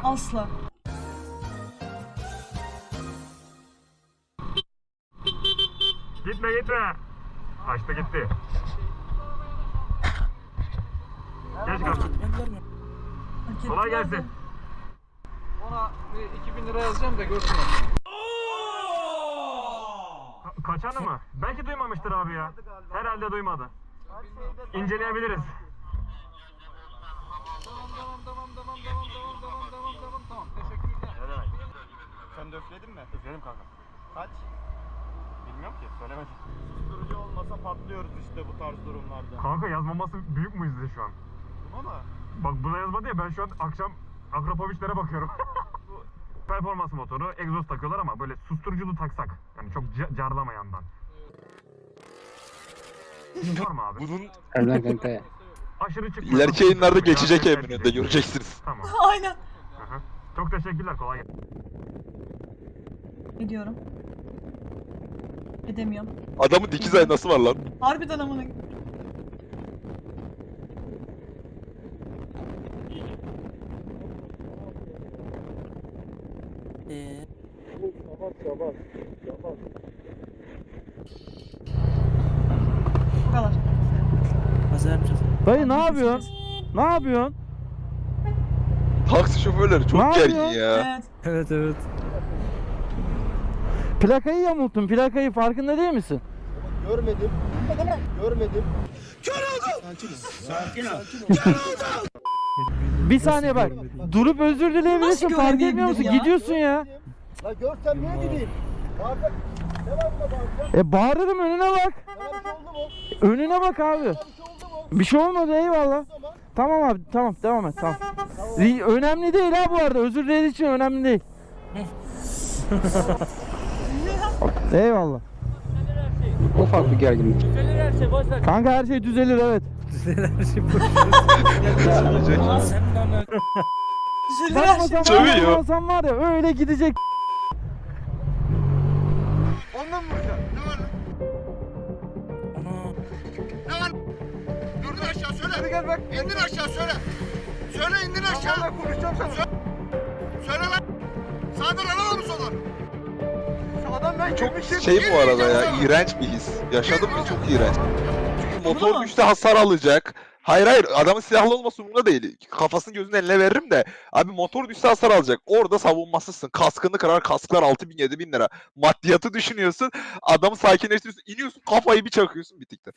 Asla. Gitme gitme. Kaçtı gitti. Geç kalsın. Kolay gelsin. Ona bir 2000 lira yazacağım da görsün. Kaçanı mı? Belki duymamıştır abi ya. Herhalde duymadı. İnceleyebiliriz. Tamam. Teşekkürler. Ne demek? Sen de üfledin mi? Üfledim kanka. Kaç? Bilmiyorum ki, söylemedim. Susturucu olmasa patlıyoruz işte bu tarz durumlarda. Kanka yazmaması büyük mucize şu an. Buna mı? Bak buna yazmadı ya, ben şu an akşam Akropoviçlere bakıyorum. Bu performans motoru, egzoz takıyorlar ama böyle susturuculu taksak. Yani çok carlamayandan. Var mı abi? Bunun Harbiden kanka ya. Aşırı çıkmıyor. ileriki yayınlarda geçecek eminönde göreceksiniz. Tamam. Aynen. Hı hı. Çok teşekkürler, kolay gelsin. Ediyorum. Edemiyorum. Adamın dikiz aynası var lan. Harbiden amına. Bu kadar. Dayı ne yapıyorsun? Ne yapıyorsun? Taksi şoförleri çok Ne gergin yapıyor? ya. Evet. Evet. Plakayı yamulttun. Plakayı farkında değil misin? Görmedim. Görmedim. Bir saniye bak. Durup özür dileyebilirsin. Nasıl Fark etmiyor musun? göremeyebilir ya? Gidiyorsun ya. La görsem niye gideyim? Bağıracak. Ne var buna bağıracak? Bağırırım, önüne bak. Sana bir şey oldu mu? Önüne bak abi. Sana bir şey oldu mu? Bir şey olmadı, eyvallah. O zaman Tamam abi, tamam, devam et, tamam. Önemli değil ha bu arada. Özür dilediği için önemli değil. Eyvallah. Ufak bir gerginlik. Kanka her şey düzelir, evet. Düzelir her Bakma şey. Sövüyor. olsan var ya öyle gidecek. onunla mı vuracaksın? Durdur aşağı söyle. Hadi gel bak. İndir aşağı söyle. Söyle indir aşağı. Ben konuşacağım sana. Söyle lan. Sağdan alalım mı soldan? Şu adam ben Çok girmişim. şey bu arada ya, iğrenç bir his. Yaşadım mı çok iğrenç. Çünkü motor mu? düşse hasar alacak. Hayır, adamın silahlı olması umurunda değil. Kafasını gözünün eline veririm de. Abi motor düşse hasar alacak. Orada savunmasızsın. Kaskını kırar, kasklar 6.000 7.000 lira. Maddiyatı düşünüyorsun. Adamı sakinleştiriyorsun. İniyorsun, kafayı bir çakıyorsun, bitiktir.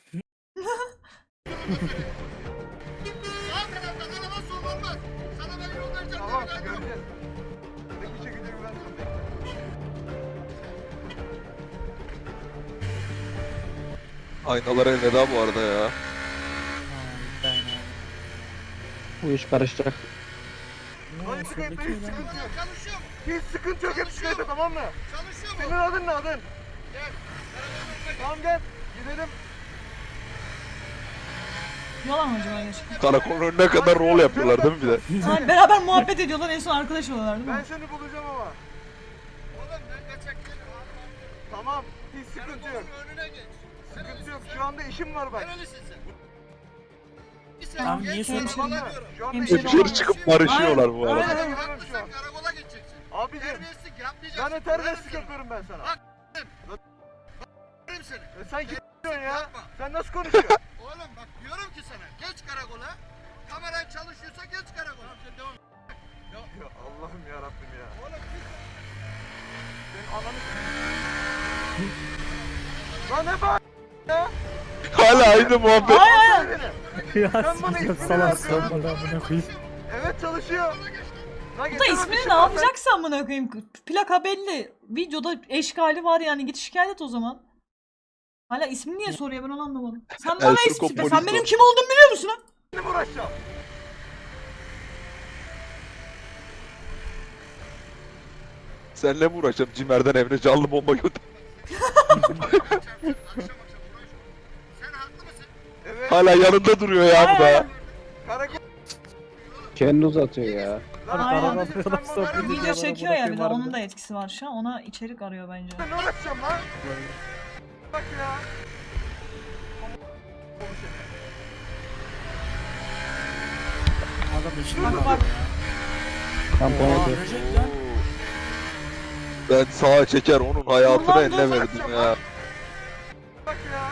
Sağ taraftan araba sol olmaz. Sana ben yol vereceğim. Tamam Ben yok. göreceğiz. Peki çekeceğim ben sana. Aynalara elveda bu arada ya. Bu iş karışacak. Hadi sıkıntı hiç sıkıntı yok. Çalışıyor mu? Hiç sıkıntı yok. Hep sıkıntı tamam mı? Çalışıyor mu? Senin adın ne adın? Gel. Tamam gel. Gidelim. Yalan mı acaba gerçekten? Karakolun önüne kadar rol yapıyorlar değil mi bir de? Yani beraber muhabbet ediyorlar, en son arkadaş oluyorlar değil mi? Ben seni bulacağım ama. Oğlum ben kaçak değilim. Tamam. Hiç sıkıntı yok. Karakolun önüne geç. Sıkıntı yok. Şu anda işim var bak. Nerelisin sen? Sen Tamam, geç, niye sana söylüyorsun? bana diyorum. Şu anda Hemşire işim Dışarı var. çıkıp barışıyorlar bu arada. Aynen. Bak, haklısın, karakola gideceksin. Abicim. Terbiyesizlik yapmayacaksın. Ben de terbiyesizlik Öğrenirsin. yapıyorum ben sana. Bak. Öğrenirim seni. Sen kim diyorsun ya? Yapma. Sen nasıl konuşuyorsun? Oğlum bak diyorum ki sana geç karakola. Kameran çalışıyorsa geç karakola. Sen devam et. Ya Allah'ım ya Rabbim ya. Oğlum git. Senin ananı Lan ne bağır ya? Hala aynı muhabbet. Sen beni. Sen bana ismini ver. Evet çalışıyor. Lan Bu da ismini ne yapacaksa amına koyayım. Plaka belli. Videoda eşkali var yani, git şikayet et o zaman. Hala ismini niye soruyor, ben onu anlamadım. Sen bana Ertuğrul ismi, polis sen benim o. kim olduğumu biliyor musun ha? Ne mi uğraşacağım? Seninle mi uğraşacağım? Cimer'den Emre canlı bomba götür. Akşam uğraşma. Sen haklı mısın? Evet. Hala yanında duruyor ya bu da. Aynen. Karakol. Kendi uzatıyor ya. Aynen. Sen Video çekiyor ya, bir de onun da etkisi var şu an. Ona içerik arıyor bence. ne uğraşacağım lan? Bak ya. Bak bak. Tampon atıyor. Ben sağa çeker onun hayatını Ulan eline dur. verdim ya. Bak ya.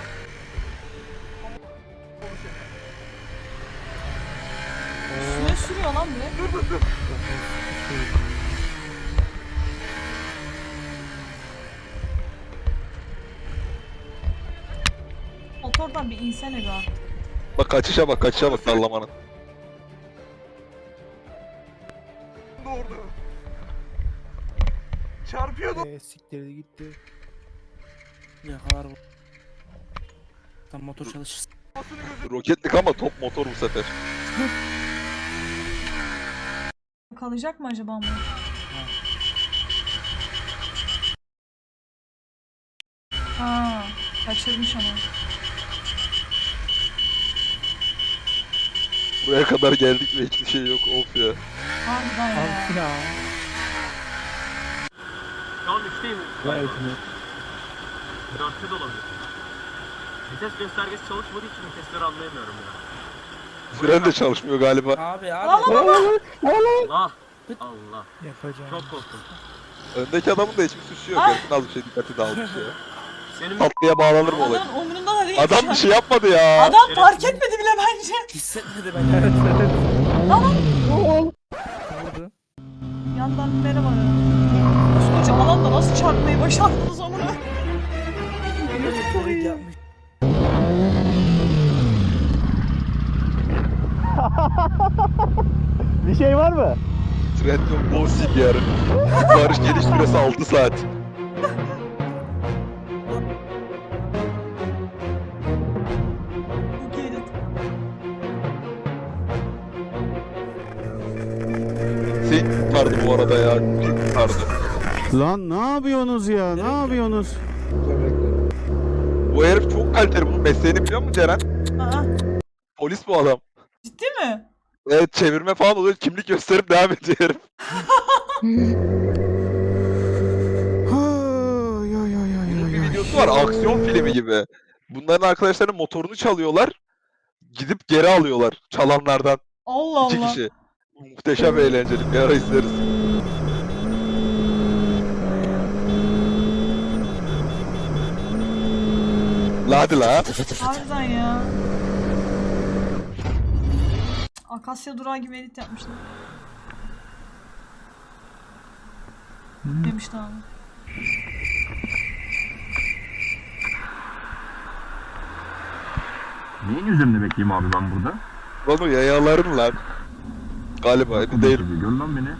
Üstüne sürüyor lan direkt. Dur dur dur. Motordan bir insene be artık. Bak kaçışa bak dallamanın. Doğru. Çarpıyordu. Siktirdi gitti. Ne kadar bu? Tam motor çalışır. Kafasını gözü. Roketlik ama top motor bu sefer. Kalacak mı acaba bu? Ha, kaçırmış ama. Buraya kadar geldik ve hiçbir şey yok of ya. Harbiden ya. Ya. Şu an 3'teyim. Gayet 4'te de olabilir. Vites göstergesi çalışmadığı için vitesleri anlayamıyorum ya. Fren de çalışmıyor galiba. Abi Lan abi. lan lan. Allah! Allah! Yapacağım. Çok korktum. Öndeki adamın da hiçbir suçu yok. Ah! Herifin az bir şey dikkati dağılmış ya. Senin Tatlıya bağlanır mı olay? Adam umurunda da değil. Adam bir şey yapmadı ya. Adam fark etmedi bile bence. Hissetmedi ben. Evet evet. Tamam. Oldu. Yandan merhaba. Koskoca alanda nasıl çarpmayı başardınız onu? Yapmış. Bir şey var mı? Trendyol Bossing yarı. Varış geliş süresi 6 saat. Bu geri. Seni kurtardı bu arada ya. Seni kurtardı. Lan ne yapıyorsunuz ya? Ne yapıyorsunuz? Bu herif çok kaliteli. Bunun mesleğini biliyor musun Ceren? Aa, Polis bu adam. ciddi mi? Evet çevirme falan oluyor. Kimlik gösterip devam ediyor herif. Bunun bir videosu var. Aksiyon filmi gibi. Bunların arkadaşlarının motorunu çalıyorlar. Gidip geri alıyorlar çalanlardan. Allah 2 Allah. kişi. Muhteşem eğlenceli. Bir ara izleriz. La hadi la. Harbiden ya. Akasya durağı gibi edit yapmışlar. Demişti abi. Neyin üzerinde bekleyeyim abi ben burada? Lan o yayaların lan. Galiba değil. Gör lan beni.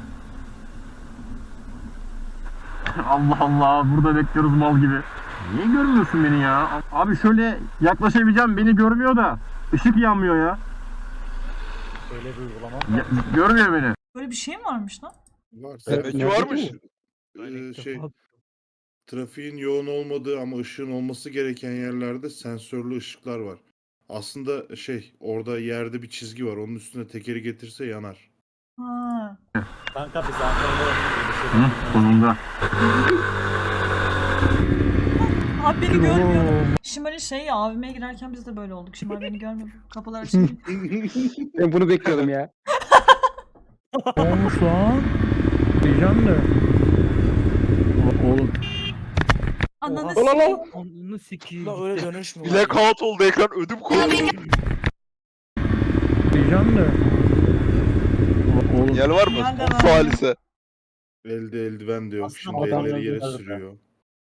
Allah Allah burada bekliyoruz mal gibi. Niye görmüyorsun beni ya? Abi şöyle yaklaşabileceğim beni görmüyor da ışık yanmıyor ya. Öyle bir uygulama. Görmüyor beni. Böyle bir şey mi varmış lan? Var. Demek ki nerede varmış. Şey, trafiğin yoğun olmadığı ama ışığın olması gereken yerlerde sensörlü ışıklar var. Aslında orada yerde bir çizgi var. Onun üstüne tekeri getirse yanar. Ha. Kanka biz Ankara'da Hı, sonunda. Abi beni görmüyor. Şimali şey ya AVM'ye girerken biz de böyle olduk. Şimali beni görmüyor. Kapılar açılıyor. Ben bunu bekliyordum ya. Olmuş lan. Diyeceğim de. Oğlum. Ananı Ola la. sikeyim. Onu sikiyim. La öyle dönüşmüyor. Blackout oldu ekran ödüm koptu. Diyeceğim de. Oğlum. Yer var mı? Yer de Son var. salise. Elde eldiven de yok. Aslında Şimdi adam elleri yere yazıyor. sürüyor.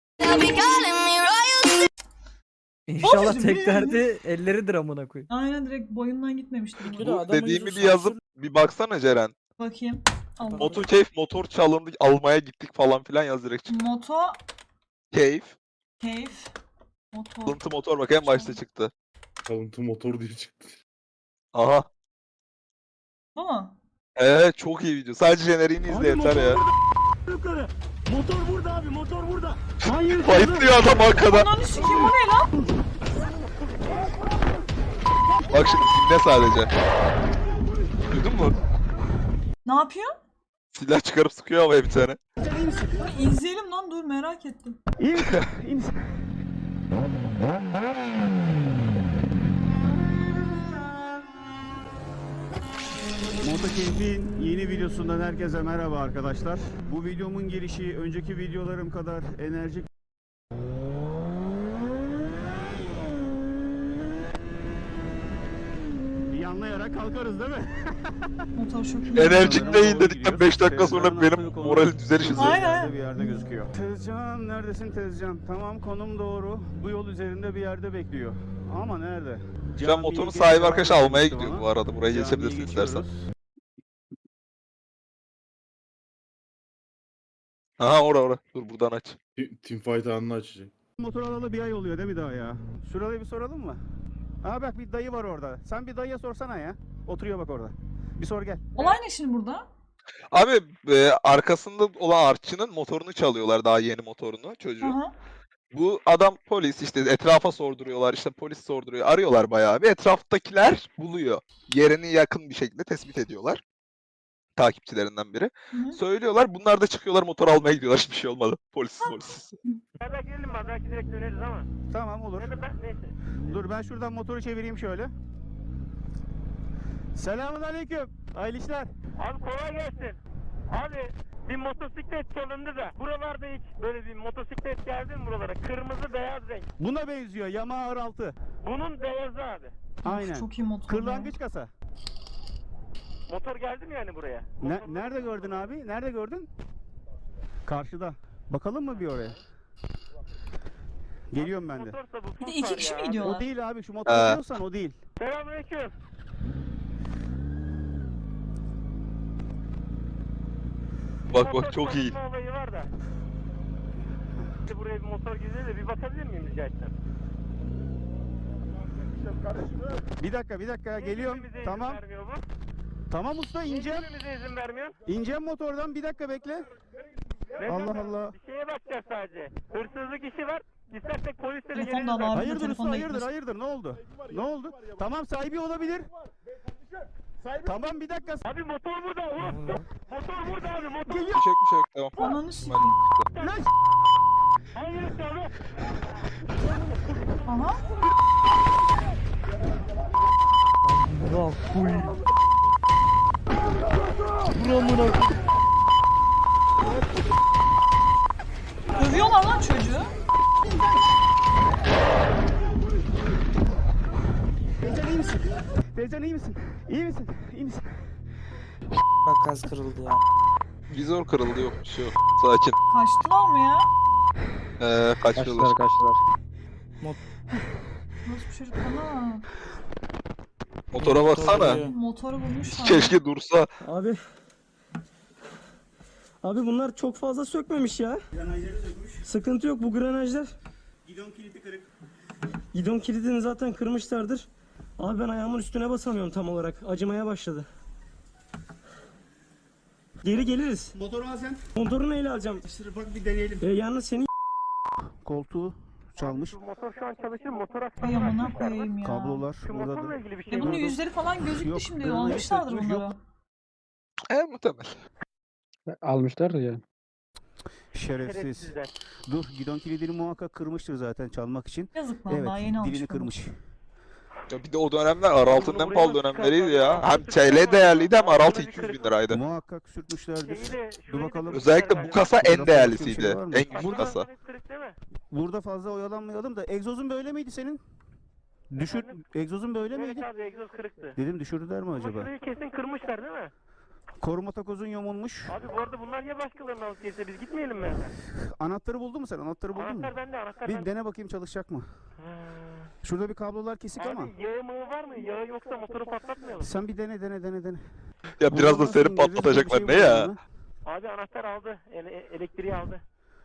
İnşallah Oğlum, tek ne? derdi elleridir amına koyayım. Aynen direkt boyundan gitmemiştir. Bir de bu. adamın Dediğimi yüzü bir yazıp sansür- bir baksana Ceren. Bakayım. Allah. Moto keyif motor çalındı almaya gittik falan filan yaz direkt. Moto Keyif. keyif. Motor. Alıntı motor bak en başta çıktı. Kalıntı motor diye çıktı. Aha. Bu mu? Evet çok iyi video. Sadece jeneriğini izle yeter ya. Motor burada abi, motor burada. Fightlıyor adam arkada. Ananı sikeyim bu ne lan? Bak şimdi dinle sadece. Duydun mu? Ne yapıyor? Silah çıkarıp sıkıyor havaya bir tane. İzleyelim lan dur merak ettim. Keyif'in yeni videosundan herkese merhaba arkadaşlar. Bu videomun girişi önceki videolarım kadar enerjik. Yanlayarak kalkarız değil mi? Motor çok iyi. Enerjik değil dedikten 5 dakika sonra benim moralim düzelir şimdi. Aynen. Bir yerde gözüküyor. Tezcan neredesin Tezcan? Tamam konum doğru. Bu yol üzerinde bir yerde bekliyor. Ama nerede? Şu an motorun sahibi arkadaş almaya gidiyor bu arada. Buraya geçebilirsin istersen. Aha ora. Dur buradan aç. Teamfight anını açacak. Motor alalı bir ay oluyor değil mi daha ya? Şurada bir soralım mı? Aa bak bir dayı var orada. Sen bir dayıya sorsana ya. Oturuyor bak orada. Bir sor gel. Olay ne şimdi burada? Abi arkasında olan artçının motorunu çalıyorlar, daha yeni motorunu çocuğun. Aha. Bu adam polis, işte etrafa sorduruyorlar, işte polis sorduruyor, arıyorlar bayağı bir. Etraftakiler buluyor. Yerini yakın bir şekilde tespit ediyorlar. Takipçilerinden biri. Hı. Söylüyorlar, bunlar da çıkıyorlar motor almaya gidiyorlar, hiçbir şey olmadı. Polis. Nereden gidelim mi? Belki direkt döneriz ama. Tamam olur. Neyse. Dur ben şuradan motoru çevireyim şöyle. Selamünaleyküm. Hayırlı işler. Abi kolay gelsin. Abi bir motosiklet çalındı da buralarda hiç böyle bir motosiklet geldi mi buralara? Kırmızı beyaz renk. Buna benziyor Yamaha R6. Bunun beyazı abi. Aynen. Çok iyi motor. Kırlangıç kasa. Motor geldi mi yani buraya? Nerede gördün abi? Nerede gördün? Karşıda. Bakalım mı bir oraya? Geliyorum ben de. Motorsa bu Bir de iki kişi mi O gidiyorlar? değil abi şu motoru diyorsan o değil. Selamünaleyküm. Bak çok iyi. Motor olayı var da. İşte buraya bir motor gidiyor da bir bakabilir miyim rica etsem? Bir dakika geliyorum. Niye bize Tamam. izin vermiyor bu? Tamam usta Niye ineceğim. bize izin vermiyor? İneceğim motordan bir dakika bekle. Neden? Allah Allah. Bir şeye bakacağız sadece. Hırsızlık işi var. İstersek polislere Telefon da geliriz. var. abi. Hayırdır usta telefonla hayırdır gitmesin. hayırdır ne oldu? Ne oldu? Tamam sahibi olabilir. Tamam bir dakika. Abi motor burada. Motor burada abi. Motor. Bir şey yok, tamam. Ananı sikeyim. Lan Hayır abi. Aha. Bırak kuy. Buramına koy. Dövüyorlar lan çocuğu. Teyzen iyi misin? Teyzen iyi misin? İyi misin? İyi misin? Bak gaz kırıldı ya. Vizör kırıldı, yok bir şey yok. Sakin. Kaçtılar mı ya? Kaçıyorlar. Kaçtılar. Nasıl bir çocuk bana? Motora baksana. Motoru bulmuşlar. Keşke dursa. Abi. Abi bunlar çok fazla sökmemiş ya. Sıkıntı yok bu granajlar. Gidon kilidi kırık. Gidon kilidini zaten kırmışlardır. Abi ben ayağımın üstüne basamıyorum tam olarak. Acımaya başladı. Geri geliriz. Motoru al sen. Motoru neyle alacağım? Bak bir deneyelim. Yalnız senin Koltuğu çalmış. Şu motor şu an çalışır. Motor Ay amına koyayım ya. Kablolar Şu burada motorla da. ilgili bir şey Ya bunun var. yüzleri falan gözüktü Yok, şimdi. granaj Almışlardır sökmüş, bunları. yok. Muhtemel. Almışlar da ya. Şerefsiz. Şerefsizler. Dur gidon kilidini muhakkak kırmıştır zaten çalmak için. Yazık lan Evet daha yeni almış. dilini bunu. kırmış. Ya bir de o dönemler R6'nın en Bunu pahalı buraya dönemleriydi çıkartalım. ya. Hem TL değerliydi hem R6 200 bin liraydı. Muhakkak sürtmüşlerdir. Şeyi de- Dur şurayı da bakalım. kırmışlar Özellikle bu galiba. kasa en Burada değerlisiydi. farklı bir şey var mı? En güçlü Burada kasa. kırık değil mi? Burada fazla oyalanmayalım da egzozun böyle miydi senin? Düşür. Egzozun böyle Evet miydi? abi egzoz kırıktı. Dedim düşürdüler mi Ama acaba? şurayı kesin kırmışlar değil mi? Koruma takozun yamulmuş. Abi bu arada bunlar ya başkalarının alıp gelirse biz gitmeyelim mi? Anahtarı buldun mu sen? Anahtarı buldun mu? Anahtar bende, anahtar Bir bende. dene bakayım çalışacak mı? Ha. Şurada bir kablolar kesik ama. Abi yağı mığı var mı? Yağı yoksa motoru patlatmayalım. Sen bir dene. Ya biraz da Buradan seni nasıl indireceğiz? patlatacaklar Bir ne şey var ya? mı? Abi anahtar aldı. Elektriği aldı.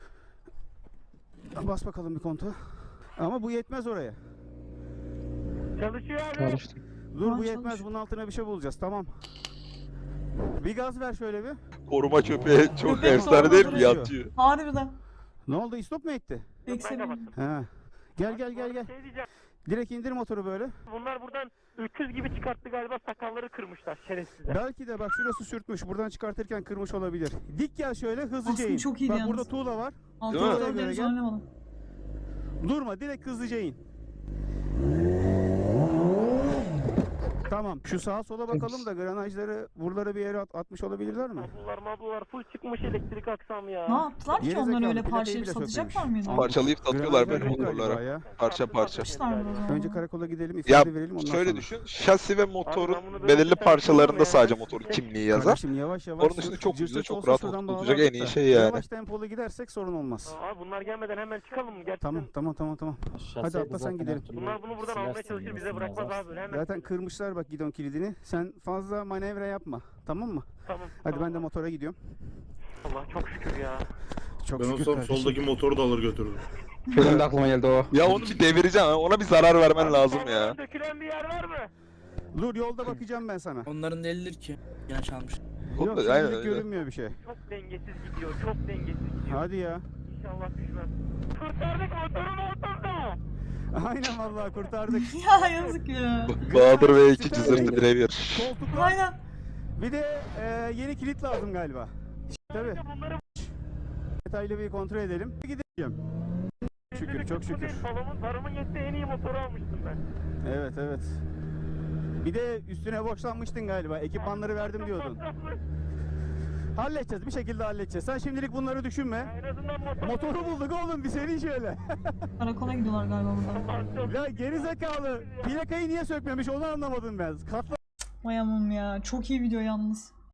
Bas bakalım bir konta. Ama bu yetmez oraya. Çalışıyor abi. Çalıştı. Dur Ulan bu yetmez. çalış. Bunun altına bir şey bulacağız. Tamam. Bir gaz ver şöyle bir. Koruma köpeği çok Köpek efsane değil mi? koruması Yatıyor. Harbiden. Ne oldu? İstop mu etti? Yok, ben kapattım. He. Gel. Bu arada şey diyeceğim. Direkt indir motoru böyle. Bunlar buradan 300 gibi çıkarttı galiba, sakalları kırmışlar şerefsizler. Belki de bak şurası sürtmüş. Buradan çıkartırken kırmış olabilir. Dik gel şöyle hızlıca Aslında in. çok iyiydi Bak yalnız. burada tuğla var. Altına Değil mi? doğru deniz Gel. oynamadım. Durma direkt hızlıca in. Tamam. Şu sağa sola bakalım da granajları buralara bir yere atmış olabilirler mi? Mablular full çıkmış elektrik aksam ya. Ne yaptılar ki Gerizekalı, onlar öyle plakayı parçalayıp bile satacaklar sökmemiş. mıydı? Parçalayıp satıyorlar Granajlar böyle yok galiba motorlara. ya. Parça parça. Yapmışlardır o zaman. Önce karakola gidelim, Ya ifade verelim ondan şöyle sonra. düşün. Şasi ve motorun ben bunu böyle belirli bir tane parçalarında kullanmaya sadece ben- motorun kimliği yazar. Kardeşim yavaş yavaş. Onun dışında çok cırt güzel, cırt çok olsa rahat şuradan oturtacak en iyi bağlardık da. şey yani. Yavaş tempolu gidersek sorun olmaz. Abi bunlar gelmeden hemen çıkalım mı? Gerçekten. Tamam. Hadi atla sen gidelim. Bunlar bunu buradan almaya çalışır bize bırakmaz abi. Hemen. Zaten kırmışlar bak gidon kilidini. Sen fazla manevra yapma. Tamam mı? Tamam. Hadi tamam. ben de motora gidiyorum. Allah çok şükür ya. Çok Ben şükür olsam kardeşim. soldaki motoru da alır götürürüm. Benim de aklıma geldi o. Ya onu bir devireceğim. Ona bir zarar vermen lazım ya. Arabadan dökülen bir yer var mı? Dur yolda bakacağım ben sana. Onların delidir ki. Yine çalmış. Oğlum Yok da- şimdilik aynen öyle. görünmüyor bir şey. Çok dengesiz gidiyor. Çok dengesiz gidiyor. Hadi ya. İnşallah düşmez. Kurtardık motoru oturdu. Aynen vallahi kurtardık. Ya yazık ya. Bahadır ve iki cızırtı birebir. Koltuklar. Aynen. Bir de yeni kilit lazım galiba. Tabii. Bunları Detaylı bir kontrol edelim. Gideceğim. Şükür çok şükür. Paramın yettiği en iyi motoru almıştım ben. Evet. Bir de üstüne borçlanmıştın galiba. Ekipmanları verdim diyordun. Halledeceğiz. Bir şekilde halledeceğiz. Sen şimdilik bunları düşünme. En azından Motoru bulduk oğlum. Bir seri şöyle. Karakola gidiyorlar galiba burada. Ya geri zekalı. Plakayı niye sökmemiş onu anlamadım ben. Katla Vay aman ya. Çok iyi video yalnız.